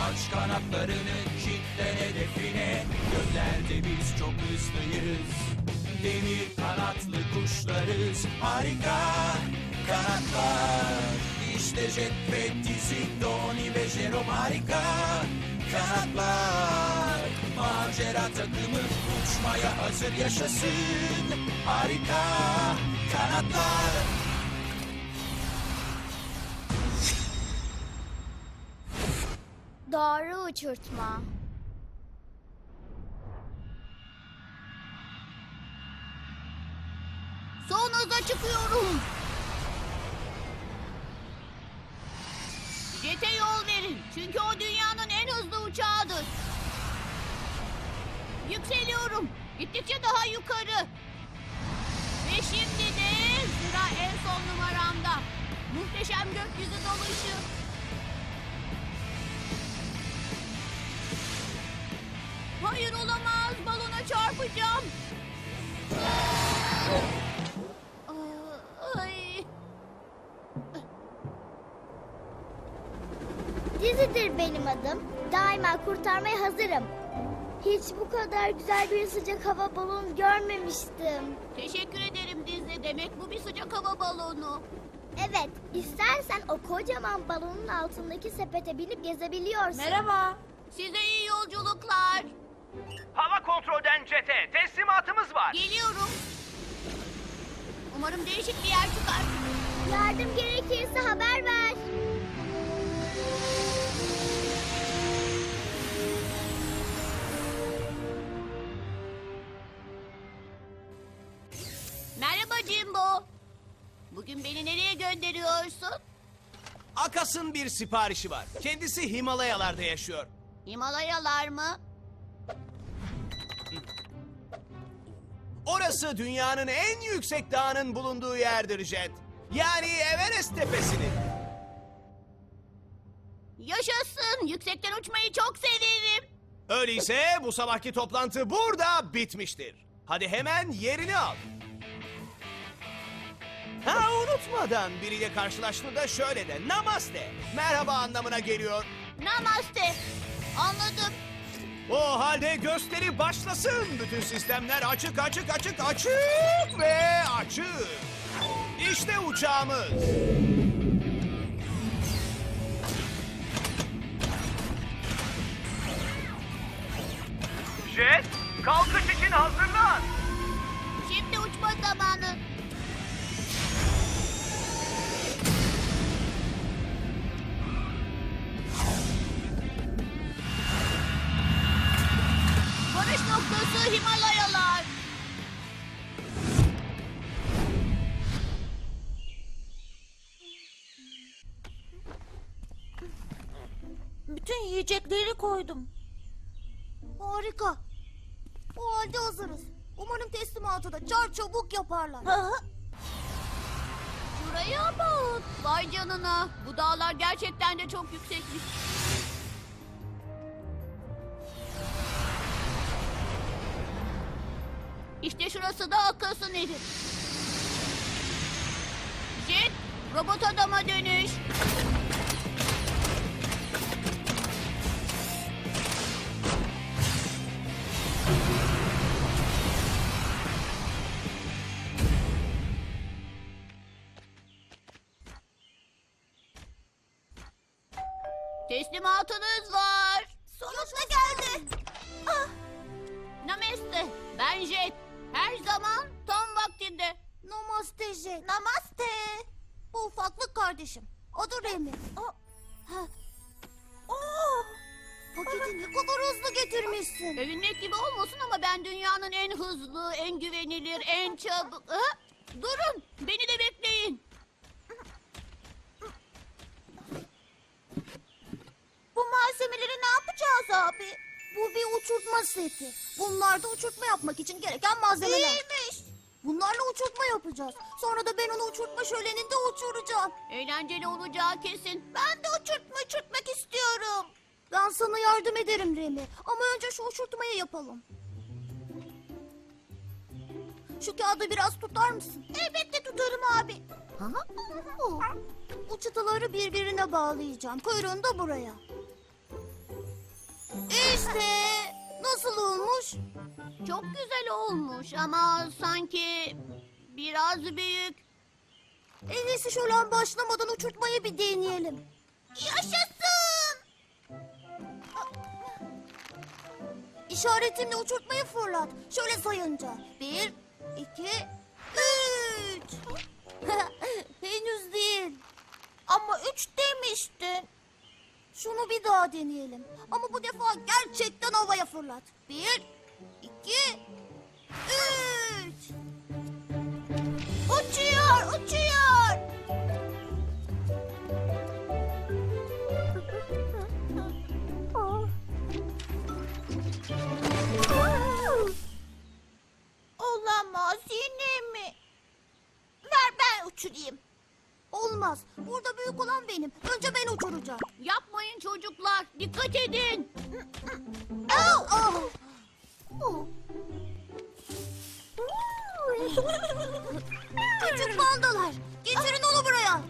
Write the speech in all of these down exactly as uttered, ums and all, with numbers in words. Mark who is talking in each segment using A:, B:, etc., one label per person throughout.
A: Aç kanatlarını, kilitlen hedefine. Göklerde biz çok hızlıyız. Demir kanatlı kuşlarız. Harika kanatlar. İşte Jet ve Dizzy, Donnie ve Jerome. Harika kanatlar. Macera takımı uçmaya hazır, yaşasın. Harika kanatlar.
B: Doğru uçurtma.
C: Son hıza çıkıyorum. Jet'e yol verin. Çünkü o dünyanın en hızlı uçağıdır. Yükseliyorum. Gittikçe daha yukarı. Ve şimdi de sıra en son numaramda. Muhteşem gökyüzü dalışı. Hayır, olamaz. Balona çarpacağım. Ay.
B: Dizzy'dir benim adım. Daima kurtarmaya hazırım. Hiç bu kadar güzel bir sıcak hava balonu görmemiştim.
C: Teşekkür ederim Dizzy. Demek bu bir sıcak hava balonu.
B: Evet, istersen o kocaman balonun altındaki sepete binip gezebiliyorsun.
C: Merhaba. Size iyi yolculuklar.
D: Hava kontrolden Jet'e teslimatımız var.
C: Geliyorum. Umarım değişik bir yer çıkar.
B: Yardım gerekirse haber ver.
C: Merhaba Jimbo. Bugün beni nereye gönderiyorsun?
E: Akas'ın bir siparişi var. Kendisi Himalayalarda yaşıyor.
C: Himalayalar mı?
E: Orası dünyanın en yüksek dağının bulunduğu yerdir Jet. Yani Everest tepesinin.
C: Yaşasın. Yüksekten uçmayı çok severim.
E: Öyleyse bu sabahki toplantı burada bitmiştir. Hadi hemen yerini al. Ha, unutmadan biriyle karşılaştığında şöyle de namaste. Merhaba anlamına geliyor.
C: Namaste. Anladım.
E: O halde gösteri başlasın. Bütün sistemler açık açık açık açık ve açık. İşte uçağımız.
D: Jet, kalkış için hazırlan.
C: Şimdi uçma zamanı. Varış noktası Himalayalar.
F: Bütün yiyecekleri koydum.
C: Harika. O halde hazırız. Umarım teslimatı da çar çabuk yaparlar.
F: Hı hı.
C: Şuraya bak. Vay canına. Bu dağlar gerçekten de çok yüksekmiş. İşte şurası da Akas'ın evi. Jet, robot adama dönüş. Teslimatınız var.
F: Sonunda geldi.
C: Ah. Namaste. Ben Jet. Her zaman tam vaktinde.
F: Namaste Jet. Namaste. Bu ufaklık kardeşim. Adı Remi. Oh. Oh. Paketi ne kadar hızlı getirmişsin.
C: Övünmek gibi olmasın ama ben dünyanın en hızlı, en güvenilir, en çabuk... Ha? Durun, beni de bekleyin.
F: Bu malzemeleri ne yapacağız abi? Bu bir uçurtma seti. Bunlar da uçurtma yapmak için gereken malzemeler. İyiymiş. Bunlarla uçurtma yapacağız. Sonra da ben onu uçurtma şöleninde uçuracağım.
C: Eğlenceli olacağı kesin.
F: Ben de uçurtma uçurtmak istiyorum. Ben sana yardım ederim Remi. Ama önce şu uçurtmayı yapalım. Şu kağıdı biraz tutar mısın? Elbette tutarım abi. Bu çıtaları birbirine bağlayacağım. Kuyruğunu da buraya. İşte nasıl olmuş?
C: Çok güzel olmuş ama sanki biraz büyük.
F: En iyisi şölen başlamadan uçurtmayı bir deneyelim. Yaşasın! İşaretimle uçurtmayı fırlat. Şöyle sayınca. Bir, iki, üç. Henüz değil. Ama üç demiştin. Şunu bir daha deneyelim. Ama bu defa gerçekten havaya fırlat. Bir, iki, üç. Uçuyor, uçuyor. Olamaz, yine mi? Ver ben uçurayım. Olmaz. Burada büyük olan benim. Önce ben uçuracağım.
C: Yapmayın çocuklar. Dikkat edin.
F: Au! Au! Oh. Küçük pandalar, getirin onu buraya.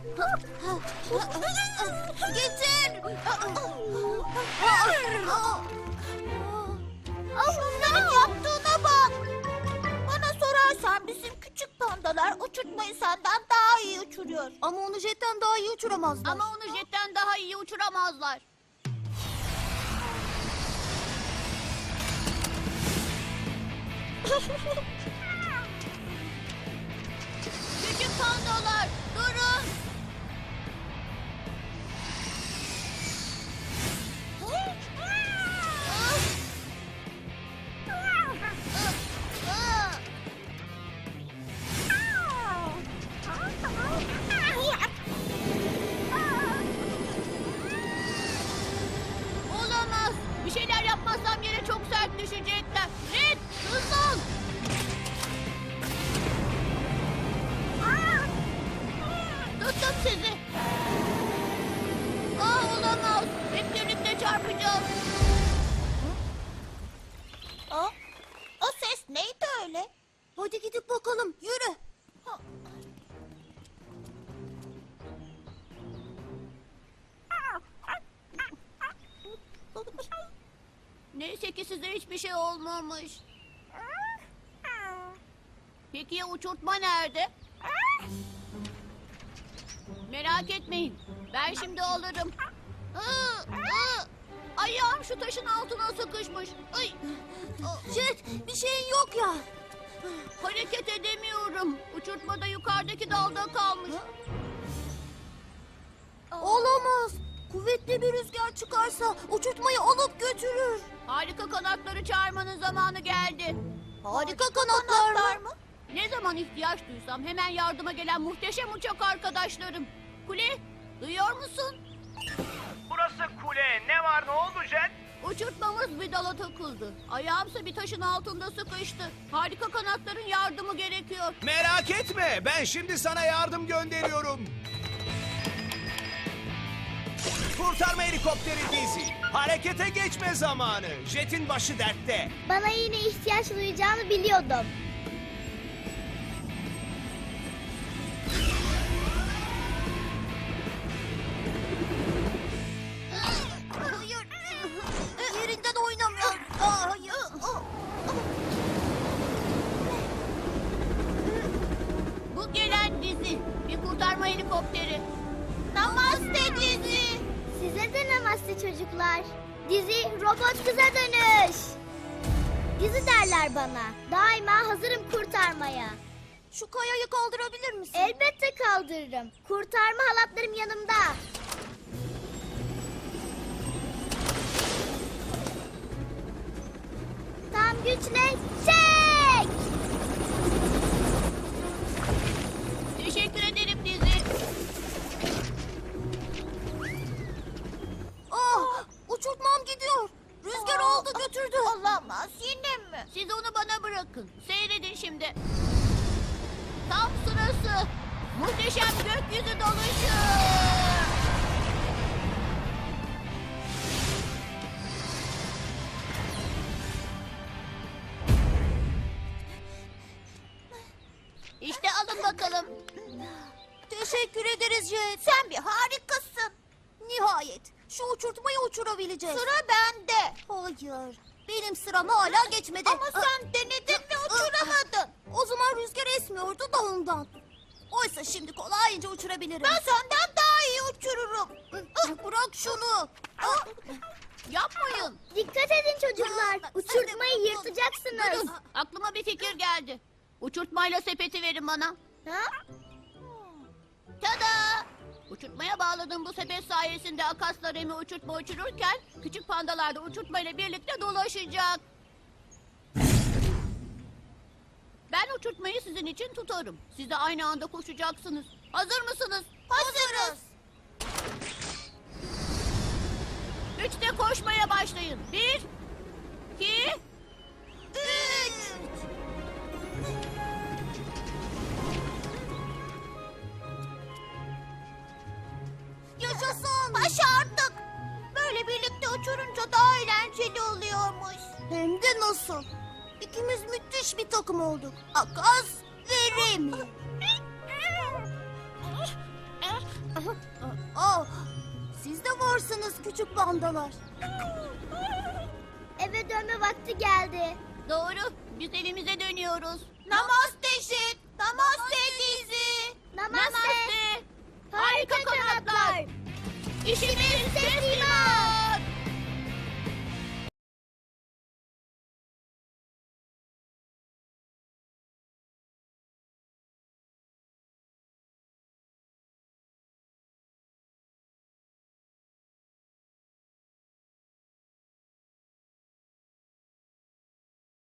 F: Getir. Şunların yaptığına bak. Bana sorarsan bizim küçük pandalar uçurtmayı senden daha iyi uçuruyor. Ama onu jetten daha iyi uçuramazlar.
C: Ama onu jetten daha iyi uçuramazlar. Küçük pandalar durun. Olamaz. Bir şeyler yapmazsam yere çok sert düşecekler. Red, hızlı ol. Tuttum sizi. Aa, olamaz. Hep birlikte çarpacağız.
F: O, o ses neydi öyle? Hadi gidip bakalım, yürü.
C: Neyse ki size hiçbir şey olmamış. Peki ya uçurtma nerede? Merak etmeyin. Ben şimdi alırım. Aa, aa, ayağım şu taşın altına sıkışmış. Ay,
F: Jet, bir şeyin yok ya.
C: hareket edemiyorum. Uçurtma da yukarıdaki dalda kalmış.
F: Olamaz. Kuvvetli bir rüzgar çıkarsa uçurtmayı alıp götürür.
C: Harika kanatları çağırmanın zamanı geldi.
F: Harika kanatlar mı?
C: Ne zaman ihtiyaç duysam hemen yardıma gelen muhteşem uçak arkadaşlarım. Kule, duyuyor musun?
D: Burası kule. Ne var ne oldu Jet?
C: Uçurtmamız bir dala takıldı. Ayağımsa bir taşın altında sıkıştı. Harika kanatların yardımı gerekiyor.
E: Merak etme, ben şimdi sana yardım gönderiyorum. Kurtarma helikopteri Dizzy. Harekete geçme zamanı. Jet'in başı dertte.
B: Bana yine ihtiyaç duyacağını biliyordum.
F: Hayır. Yerinden oynamıyor. Aa, hayır.
C: Bu gelen dizi. Bir kurtarma helikopteri.
F: Namaste Dizi.
B: Size de namaste çocuklar. Dizi robot kıza dönüş. Dizi derler bana. Daima hazırım kurtarmaya.
F: Şu kayayı kaldırabilir misin?
B: Elbette kaldırırım. Kurtarma halatlarım yanımda. Tam güçle çek!
C: Teşekkür ederim dizi.
F: Ah, uçurtmam gidiyor. Rüzgar aldı götürdü. Olamaz, yine mi?
C: Siz onu bana bırakın. Seyredin şimdi. Tam sırası. Muhteşem gökyüzü doluşu. İşte alın bakalım.
F: Teşekkür ederiz Jet. Sen bir harikasın. Nihayet. şu uçurtmayı uçurabileceğiz. Sıra bende. Hayır. Benim sıram hala geçmedi. Ama sen denedin ve uçuramadın. O zaman rüzgar esmiyordu da ondan. Oysa şimdi kolayca uçurabilirim. Ben senden daha iyi uçururum. Bırak şunu.
C: Yapmayın.
B: Dikkat edin çocuklar. Uçurtmayı yırtacaksınız.
C: Aklıma bir fikir geldi. Uçurtmayla sepeti verin bana.
B: Ha?
C: Tada! Uçurtmaya bağladığım bu sepet sayesinde Akas'la Remi uçurtma uçururken küçük pandalar da uçurtmayla birlikte dolaşacak. Ben uçurtmayı sizin için tutarım. Siz de aynı anda koşacaksınız. Hazır mısınız?
F: Hazırız.
C: Üçte koşmaya başlayın. Bir, iki,
F: Üç. Yaşasın. Başardık. Böyle birlikte uçurunca daha eğlenceli oluyormuş. Hem de nasıl? İkimiz müthiş bir takım olduk. Akas ve Remi. Oh, siz de varsınız küçük pandalar.
B: Eve dönme vakti geldi.
C: doğru. Biz evimize dönüyoruz.
F: Namaste.